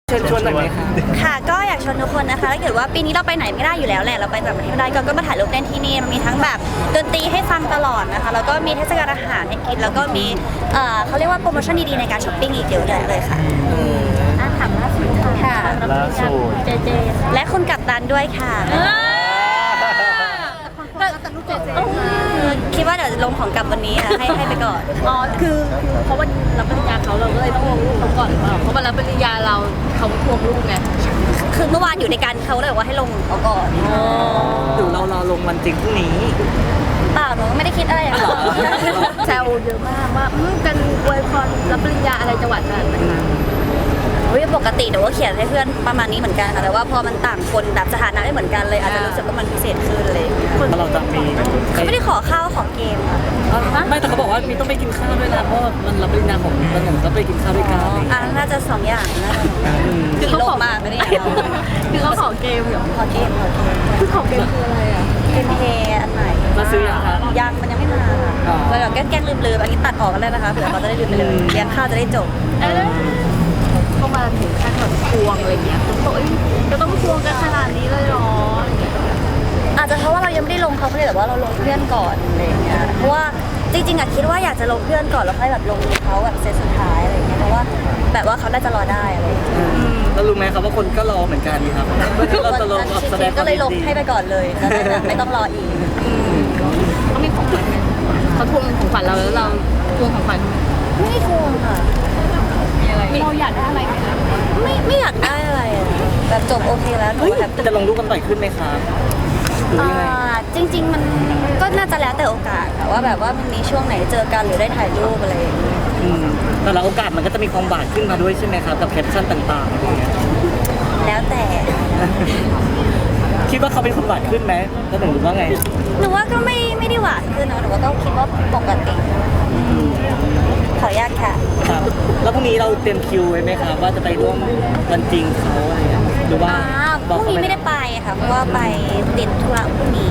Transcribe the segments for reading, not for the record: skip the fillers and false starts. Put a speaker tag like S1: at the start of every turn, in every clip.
S1: เชิญชวนหน่อยไหมคะ
S2: ค่ะก็อยากชวนทุกคนนะคะถ้าเกิดว่าปีนี้เราไปไหนไม่ได้อยู่แล้วแหละเราไปต่างประเทศไม่ได้ก็มาถ่ายรูปเล่นที่นี่มันมีทั้งแบบดนตรีให้ฟังตลอดนะคะแล้วก็มีเทศกาลอาหารให้กินแล้วก็มีเขาเรียกว่าโปรโมชั่นดีๆในการช้อปปิ้งอีกเยอะแยะเลยค่ะถามล่าสุดค่ะ
S3: ล่าสุด
S2: เจเจและคุณกัปตันด้วยค่ะคิดว่าเดี๋ยวลงของกลับวันนี้ค่ะให้ไปก่อน
S4: อ๋อคือเพราะว่ารับปริญญาเขาเราก็เลยต้องลงรูปเขาก่อนหรือเปล่าเพราะว่ารับปริญญาเราเขาทวงรูปไง
S2: คือเมื่อวานอยู่ในการเขาเลยบอกว่าให้ลงเอาก่อน
S1: หรือเรารอลงวันจริงพรุ่งนี้
S2: เปล่าหนูไม่ได้คิดอะไรอย่างนั้น
S4: แซวเยอะมากว่ากันอวยพรรับปริญญาอะไรจังหวัดนั้นนะคะ
S2: ปกติหนูก็เขียนให้เพื่อนประมาณนี้เหมือนกันค่ะแต่ว่าพอมันต่างคนแบบสถานะไม่เหมือนกันเลยอาจจะรู้สึกว่ามันพิเศษขึ้นเลย
S1: เราจะมี
S2: เขาไม่ได้ขอข้าวขอเกมค่ะ
S1: ไม่แต่เขาบอกว่ามีต้องไปกินข้าวด้วยนะเพราะมันรับปริญญาของตนหนุ่มก็ไปกินข้าวด้วยกัน
S2: น่าจะ2 อย่างน่าจะคือเขามากไม่ได้
S4: คือเขาขอเกมเหรอ
S2: ขอเกม
S4: คือขอเกมคืออะไรอ่ะ
S2: เกมเพย์อันไหน
S1: มาซื้อยังคะ
S2: ยังมันยังไม่มาเลยแบบแกล้งลืมๆอันนี้ตัดออกกันเลยนะคะเผื่อเขาจะได้ลืมไปเลยเลี้ยงข้าวจะได้จบ
S4: เข้ามาถึงขั้นแบบทวงอะไรเงี้ยคือบอกจะต้องทวงกันขนาดนี้เลยเหรอ
S2: อาจจะเพราะว่าเรายังไม่ได้ลงเขาเลยแต่ว่าเราลงเพื่อนก่อนอะไรอย่างเงี้ยเพราะว่าจริงๆคิดว่าอยากจะลงเพื่อนก่อนแล้วค่อยแบบลงเขาแบบเซตสุดท้ายอะไรอย่างเงี้ยเพราะว่าแบบว่าเขาน่าจะรอได้อะไรอย่างเงี้ย
S1: เรารู้ไหมครับว่าคนก็รอเหมือนกันครับเราจะลงแสดง
S2: ก็เลยลงให้ไปก่อนเลยจะได้แบบไม่ต้องรออีก
S4: เขามีของขวัญไหมเขาทวงของขวัญเราแล้วเราทวงของขวัญ
S2: ไม่ทวงค่ะ
S4: เราอยากได้อะไรไหมคะ
S2: ไม่อยากได้อะไรอะแบบจบโอเคแล้วหนูแบบ
S1: จะลงรูปกันบ่อยขึ้นไหมครับหรือยังไง
S2: จริง ๆ มันก็น่าจะแล้วแต่โอกาสค่ะว่าแบบว่ามันมีช่วงไหนเจอกันหรือได้ถ่ายรูปอะไรอย่างเงี้ย
S1: แต่ละโอกาสมันก็จะมีความหวานขึ้นมาด้วยใช่ไหมครับกับแคปชั่นต่างๆอะไรเงี้ย
S2: แล้วแต่
S1: คิดว่าเขาเป็นคนหวานขึ้นไหมแล้วหนูรู้ว่าไง
S2: หนูว่าก็ไม่ได้หวานขึ้นนะหนูว่าก็คิดว่าปกติขออนุญาตค่ะ
S1: ครับแล้วพรุ่งนี้เราเตรียมคิวไว้ไหมครับว่าจะไปร่วมวันจริงเขาอะไรเงี้ยหรือว่า
S2: พรุ่งนี้ไม่ได้ไปค่ะเพราะว่าไปติดธุระพรุ่งนี้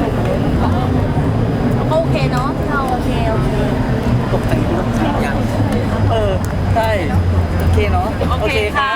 S4: โอเคเนาะเรา
S2: โอเค
S1: ตกแต่งยังใช่โอเคเนาะโอเคค่ะ